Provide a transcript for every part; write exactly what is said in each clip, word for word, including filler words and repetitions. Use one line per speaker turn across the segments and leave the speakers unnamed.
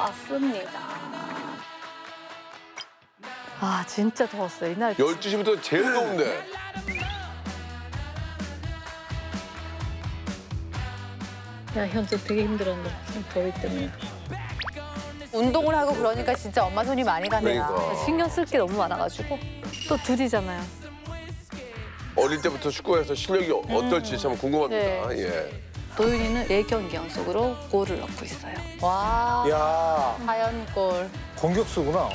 왔습니다. 아 진짜 더웠어요 이날.
열두 시부터 제일 더운데.
야 현재 되게 힘들었네 지금 더위 때문에.
운동을 하고 그러니까 진짜 엄마 손이 많이 가네요.
그러니까.
신경 쓸 게 너무 많아가지고 또 둘이잖아요.
어릴 때부터 축구에서 실력이 어떨지 참 궁금합니다.
네.
예.
도윤이는 네 경기 연속으로 골을 넣고 있어요.
와,
야
사연골.
공격수구나.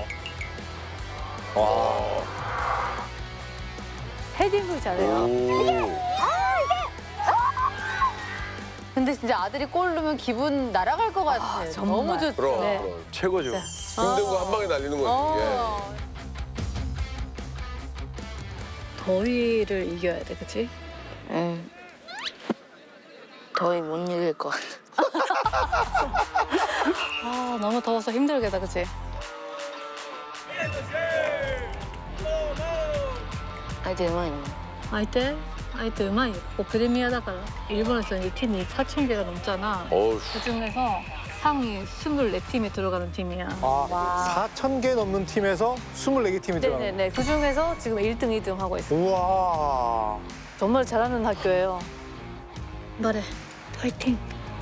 와.
헤딩을 잘해요.
오.
근데 진짜 아들이 골 넣으면 기분 날아갈 것 같아요.
정말.
너무 좋죠.
그럼,
네.
그럼.
최고죠.
힘든 거 한 방에 날리는 거지.
어.
더위를 이겨야 돼, 그치?
응. 더위 못 이길 것 같아.
아 너무 더워서 힘들겠다, 그치?
相手うまいの。
相手相手うまいよ. 뭐 프리미어다から 일본에서 이제 팀이 사천 개가 넘잖아.
예. 어우,
그 중에서 상위 스물네 팀에 들어가는 팀이야.
아, 사천 개 넘는 팀에서 스물네 개 팀이 들어가는.
네네네. 그 중에서 지금 일 등, 이 등 하고 있어.
우와.
정말 잘하는 학교예요. 말해. 화이팅.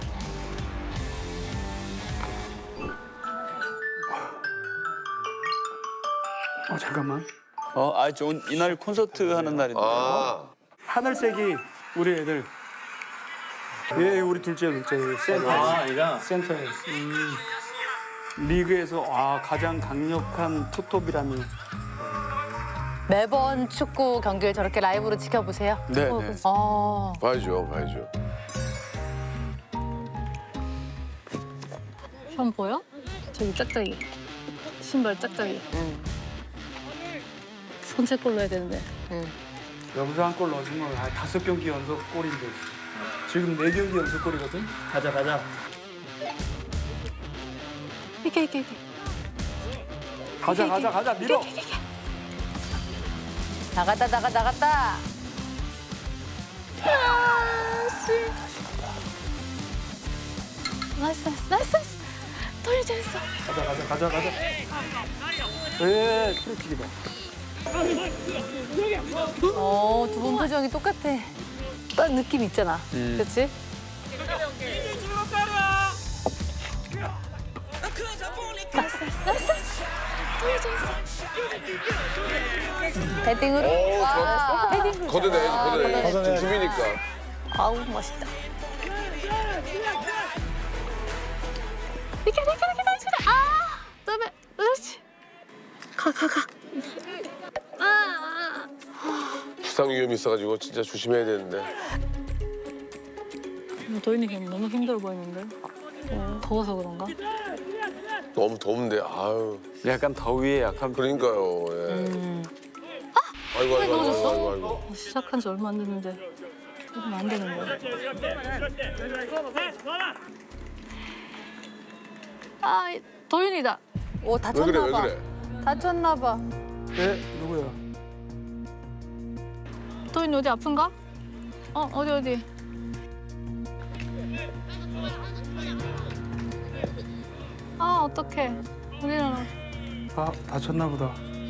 어 잠깐만. 어, 아, 저 이날 콘서트 하는 날인데.
아.
하늘색이 우리 애들. 예, 우리 둘째 둘째 센터. 아, 얘가 센터에. 음. 리그에서 아 가장 강력한 투톱이라니.
매번 축구 경기를 저렇게 라이브로 지켜보세요.
네, 네.
어.
봐야죠, 봐야죠.
형 보여? 저기 짝짝이. 신발 짝짝이.
응.
선제골로 해야 되는데.
여기서 한 골 넣어주면 아, 다섯 경기 연속 골인데. 지금 네 경기 연속 골이거든. 가자, 가자.
이게 이게 이게.
가자, 가자, 가자. 밀어.
나갔다, 나가, 나갔다.
나이스 나이스 나이스 나이스. 돌리 잘했어.
가자, 가자, 가자, 가자. 예, 프리킥이다.
어, 두 분 표정이 똑같아.
딱 느낌 있잖아.
음.
그렇지? 나이스 나이스 나이스. 돌리 잘했어.
헤딩으로.
오,
와.
헤딩.
걷어내야지, 걷어내야지.
걷어내야지.
지금 팀이니까.
아우 멋있다. 이렇게 이렇게 이렇게 나이스. 아, 그다음에 그렇지. 가 가 가. 아,
부상 위험이 있어가지고 진짜 조심해야 되는데.
아. 도인이 그냥 너무 힘들어 보이는데. 어, 더워서 그런가?
너무 더운데, 아유.
약간 더위에 약한.
그러니까요, 예.
음.
아이고, 아이고, 아이고,
넣어줬어?
아이고, 아이고.
어, 시작한 지 얼마 안 됐는데 이러면 안 되는데. 아, 도윤이다.
오,
왜 그래,
다쳤나
왜
봐.
그래?
다쳤나 봐.
예, 누구야?
도윤이 어디 아픈가? 어, 어디 어디? 아, 어떡해. 우리는
아, 다쳤나 보다.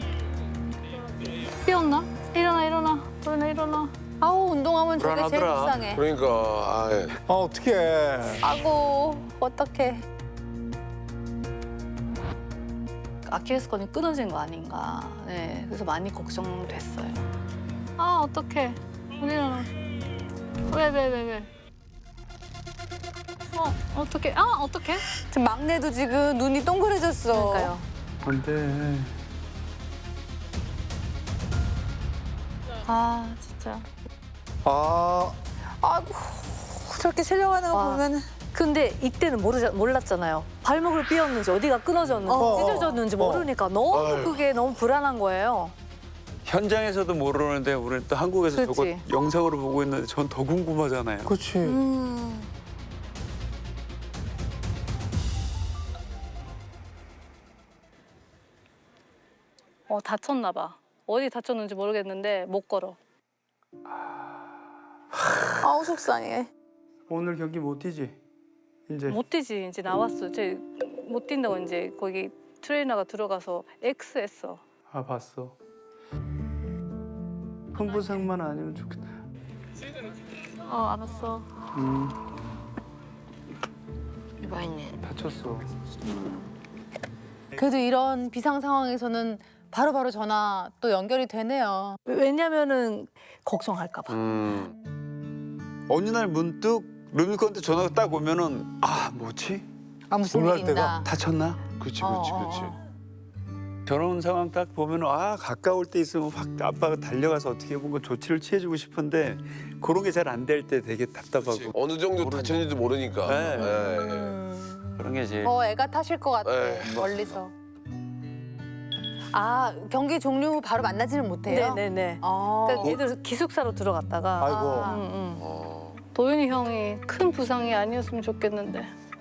삐었나? 일어나, 일어나. 도윤아, 일어나.
아우, 운동하면 저게 제일
불안하더라.
불쌍해.
그러니까, 아, 예.
아, 어떡해.
아고, 어떡해.
아킬레스건이 끊어진 거 아닌가. 네, 그래서 많이 걱정됐어요. 아, 어떡해. 우리는 왜, 왜, 왜, 왜? 어, 어떡해. 아, 어떡해.
지금 막내도 지금 눈이 동그래졌어.
그러니까요.
안 돼.
아, 진짜.
아,
아이고, 저렇게 실려가는 거
와.
보면은.
근데 이때는 모르자, 몰랐잖아요. 발목을 삐었는지 어디가 끊어졌는지
어.
찢어졌는지
어.
모르니까 너무
아유.
그게 너무 불안한 거예요.
현장에서도 모르는데 우리는 또 한국에서
그치.
저거 영상으로 보고 있는데 전 더 궁금하잖아요.
그렇지.
음.
어, 다쳤나 봐. 어디 다쳤는지 모르겠는데 못 걸어.
아우, 속상해.
오늘 경기 못 뛰지? 이제
못 뛰지. 이제 나왔어. 제 못 뛴다고 이제 거기 트레이너가 들어가서 X 했어.
아 봤어. 큰 부상만 아니면 좋겠다.
어 알았어.
음
이바이네.
다쳤어.
그래도 이런 비상 상황에서는 바로바로 전화 또 연결이 되네요.
왜냐면은 걱정할까 봐.
음.
어느 날 문득 루미콘한테 전화가 딱 오면은 아 뭐지?
아 무슨
놀랄
일이 있나.
다쳤나?
그렇지,
어,
그렇지,
어,
그렇지.
어.
저런 상황 딱 보면은 아 가까울 때 있으면 확 아빠가 달려가서 어떻게 보면 조치를 취해주고 싶은데 그런 게 잘 안 될 때 되게 답답하고
어느 정도 다쳤는지도 모르니까.
네.
예, 예.
음.
그런 게 제일
어 애가 타실 것 같아.
에이,
멀리서. 아 경기 종료 후 바로 만나지는 못해요?
네네네.
아.
그러니까 얘들 기숙사로 들어갔다가
아이고.
아.
응, 응.
어.
도윤이 형이 큰 부상이 아니었으면 좋겠는데.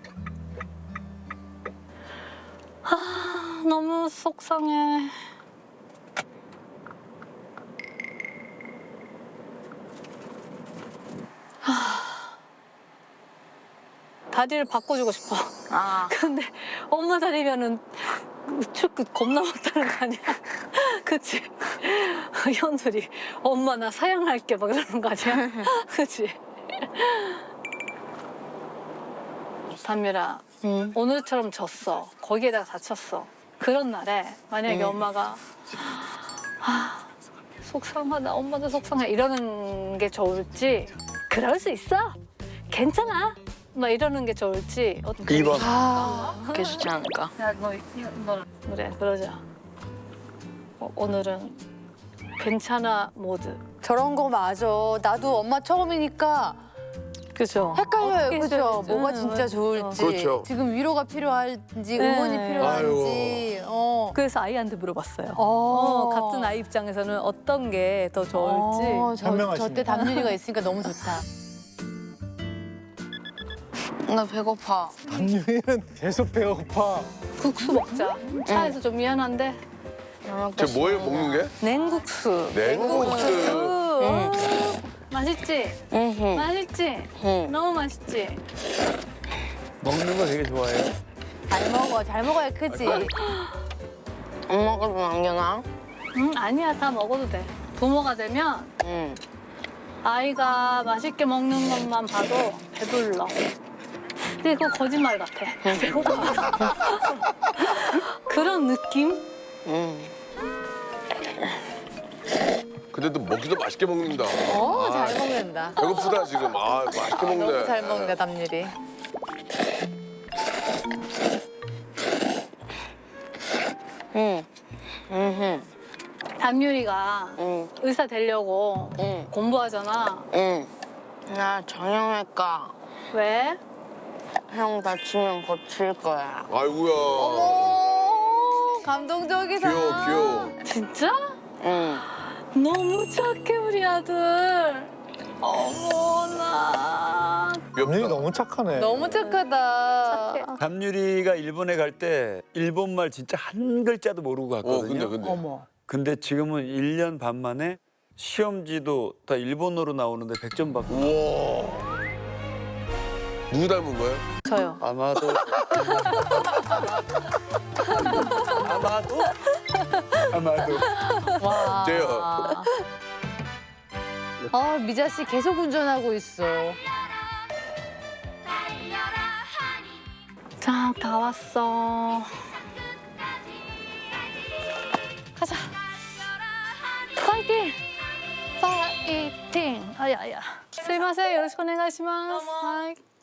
아 너무 속상해. 아, 다리를 바꿔주고 싶어.
아,
근데 엄마 다리면은 축구 겁나 못하는 거 아니야? 그치? 현들이 엄마 나 사양할게 막 이러는 거 아니야? 그치? 담유라
응.
오늘처럼 졌어. 거기에다가 다쳤어. 그런 날에 만약에
응.
엄마가 아, 속상하다 엄마도 속상해 이러는 게 좋을지 그럴 수 있어. 괜찮아. 막 이러는 게 좋을지 어떻게
이 번.
아, 그게 좋지 않을까?
야, 너, 너 그래, 그러자. 어, 오늘은 괜찮아 모드.
저런 거 맞아. 나도 엄마 처음이니까
그죠?
헷갈려요.
어떻게
그죠?
해줘야
뭐가
되지?
진짜
응,
좋을지.
그렇죠.
지금 위로가 필요할지,
네.
응원이 필요한지. 어.
그래서 아이한테 물어봤어요.
어.
어, 같은 아이 입장에서는 어떤 게 더 좋을지.
어, 저,
현명하시네.
저때 담윤이가 있으니까 너무 좋다.
나 배고파.
담유이는 계속 배고파.
국수 먹자. 차에서 좀 미안한데
저 뭐예요, 먹는 게?
냉국수.
냉국수.
어, 맛있지?
응,
맛있지?
응.
너무 맛있지?
먹는 거 되게 좋아해요.
잘 먹어, 잘 먹어야 크지.
엄마가 좀 남겨놔.
응, 아니야. 다 먹어도 돼. 부모가 되면
응.
아이가 맛있게 먹는 것만 봐도 배불러. 근데 그거 거짓말 같아. 배고파. 그런 느낌?
응.
근데 또 먹기도 맛있게 먹는다.
어,
아,
잘 먹는다.
배고프다 지금. 아, 맛있게 먹네.
너무 잘 먹는다, 담율이.
응. 응.
담유리가
응.
의사 되려고
응.
공부하잖아.
응. 나 정형외과.
왜?
형 다치면 거칠 거야.
아이고야.
오, 감동적이다.
귀여워, 귀여워.
진짜?
응.
너무 착해 우리 아들. 어머나.
담유이
귀엽다.
너무 착하네.
너무 착하다.
착해.
담유리가 일본에 갈 때 일본말 진짜 한 글자도 모르고 갔거든요.
어, 근데, 근데.
어머.
근데 지금은 일 년 반 만에 시험지도 다 일본어로 나오는데 백 점 받고
우와. 누구 닮은 거예요?
저요.
아마도 아마도 아마도
와.
돼요.
아, 미자 씨 계속 운전하고 있어.
자, 다 왔어. 가자. 파이팅! 파이팅! 아야야. すいません、よろしくお願いします。はい。